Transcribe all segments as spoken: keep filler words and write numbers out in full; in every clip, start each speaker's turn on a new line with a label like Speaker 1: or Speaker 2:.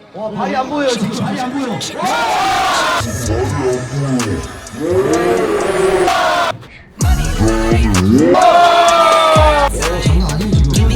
Speaker 1: 와, 발이 안 보여요. 지금 발이 안 보여. 장난 아니에요, 지금.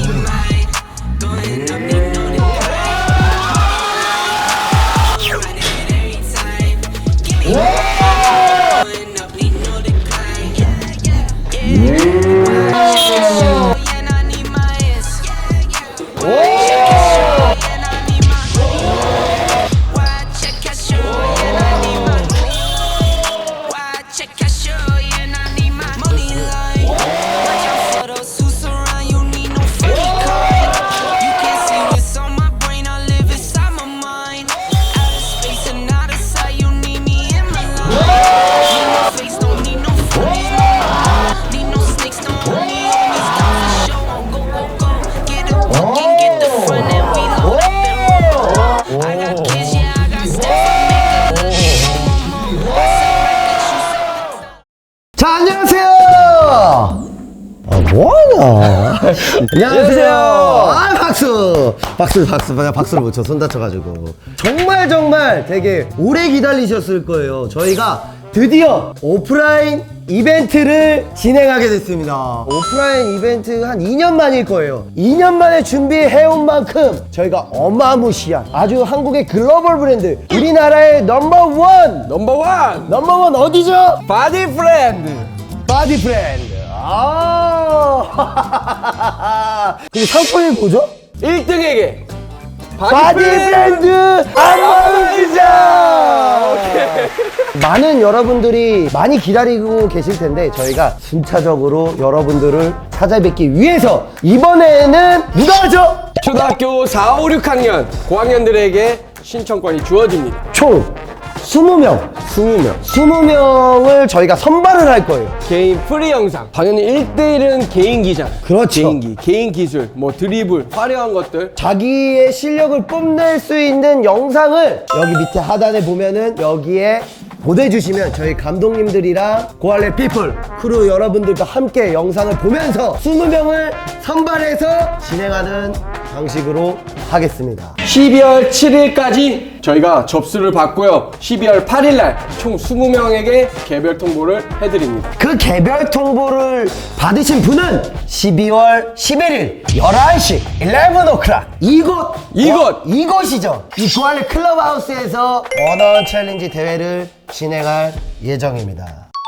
Speaker 1: 자, 안녕하세요. 아, 뭐하냐. 안녕하세요. 아, 박수 박수 박수 박수를 못 쳐. 손 다쳐가지고. 정말 정말 되게 오래 기다리셨을 거예요. 저희가 드디어 오프라인 이벤트를 진행하게 됐습니다. 오프라인 이벤트 한 이 년 만일 거예요. 이 년 만에 준비해온 만큼 저희가 어마무시한 아주 한국의 글로벌 브랜드, 우리나라의 넘버원
Speaker 2: 넘버원
Speaker 1: 넘버원 어디죠?
Speaker 2: 바디 프렌드.
Speaker 1: 바디 프렌드. 아. 그리고 상품이 뭐죠?
Speaker 2: 일 등에게
Speaker 1: 바디 프렌드 안마의 시장. 많은 여러분들이 많이 기다리고 계실 텐데 저희가 순차적으로 여러분들을 찾아뵙기 위해서 이번에는 누가 하죠?
Speaker 2: 초등학교 사, 오, 육 학년 고학년들에게 신청권이 주어집니다.
Speaker 1: 총 이십 명
Speaker 2: 이십 명
Speaker 1: 이십 명을 저희가 선발을 할 거예요.
Speaker 2: 개인 프리 영상. 당연히 일 대 일은 개인기잖아.
Speaker 1: 그렇죠.
Speaker 2: 개인기, 개인 기술, 뭐 드리블, 화려한 것들.
Speaker 1: 자기의 실력을 뽐낼 수 있는 영상을 여기 밑에 하단에 보면은 여기에 보내주시면 저희 감독님들이랑 고할래 피플 크루 여러분들과 함께 영상을 보면서 이십 명을 선발해서 진행하는 방식으로 하겠습니다.
Speaker 2: 십이월 칠일까지 저희가 접수를 받고요. 십이월 팔일날 총 이십 명에게 개별 통보를 해드립니다.
Speaker 1: 그 개별 통보를 받으신 분은 십이월 십일일 열한 시 일레븐 오클락 이곳
Speaker 2: 이곳!
Speaker 1: 어, 이곳이죠. 이 고할래 클럽하우스에서 원어원 챌린지 대회를 진행할 예정입니다.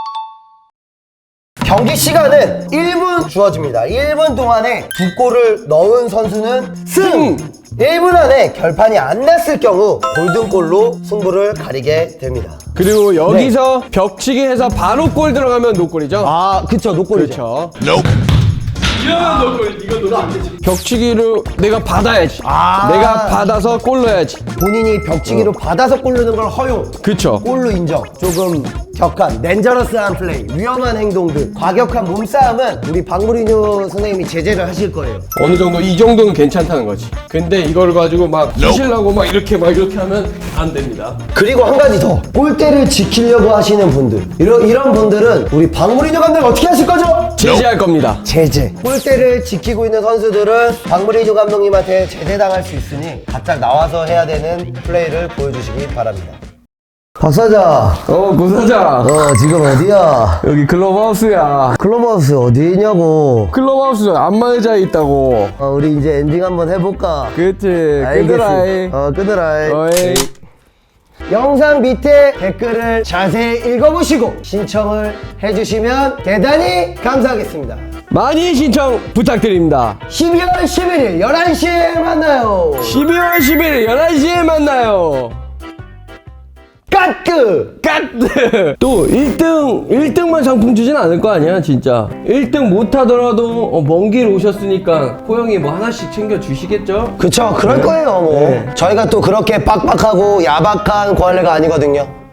Speaker 1: 경기 시간은 일 분 주어집니다. 일 분 동안에 두 골을 넣은 선수는 승! 일 분 안에 결판이 안 났을 경우 골든골로 승부를 가리게 됩니다.
Speaker 2: 그리고 여기서 벽치기 해서 바로 골 들어가면 노골이죠.
Speaker 1: 아, 그쵸, 노골이죠.
Speaker 2: 그렇죠. 이러면 노골, 이거 노골 안 되지. 벽치기를 내가 받아야지.
Speaker 1: 아.
Speaker 2: 내가 받아서 골 넣어야지.
Speaker 1: 본인이 벽치기로 받아서 골 넣는 걸 허용.
Speaker 2: 그쵸.
Speaker 1: 골로 인정. 조금 격한, 덴저러스한 플레이, 위험한 행동들, 과격한 몸싸움은 우리 박무리뉴 선생님이 제재를 하실 거예요.
Speaker 2: 어느 정도 이 정도는 괜찮다는 거지. 근데 이걸 가지고 막 부시려고 막 이렇게 막 이렇게 하면 안 됩니다.
Speaker 1: 그리고 한 가지 더. 골대를 지키려고 하시는 분들. 이런, 이런 분들은 우리 박무리뉴 감독이 어떻게 하실 거죠?
Speaker 2: 제재할 겁니다.
Speaker 1: 제재. 골대를 지키고 있는 선수들은 박무리뉴 감독님한테 제재당할 수 있으니 바짝 나와서 해야 되는 플레이를 보여주시기 바랍니다. 박사장.
Speaker 2: 어, 고사장.
Speaker 1: 어, 지금 어디야?
Speaker 2: 여기 클럽하우스야.
Speaker 1: 클럽하우스 어디냐고.
Speaker 2: 클럽하우스 안마의자에 있다고.
Speaker 1: 어, 우리 이제 엔딩 한번 해볼까?
Speaker 2: 그치.
Speaker 1: 알겠습니다.
Speaker 2: 끄드라이.
Speaker 1: 어, 끄드라이.
Speaker 2: 어이.
Speaker 1: 영상 밑에 댓글을 자세히 읽어보시고 신청을 해주시면 대단히 감사하겠습니다.
Speaker 2: 많이 신청 부탁드립니다.
Speaker 1: 십이월 십일일 열한 시에 만나요.
Speaker 2: 십이월 십일 열한 시에 만나요.
Speaker 1: 까뜨!
Speaker 2: 까뜨! 또 일 등, 일 등만 상품 주진 않을 거 아니야, 진짜. 일 등 못하더라도 어, 먼 길 오셨으니까 호영이 뭐 하나씩 챙겨주시겠죠?
Speaker 1: 그쵸, 그럴 거예요, 뭐.
Speaker 2: 네.
Speaker 1: 저희가 또 그렇게 빡빡하고 야박한 고할래가 아니거든요.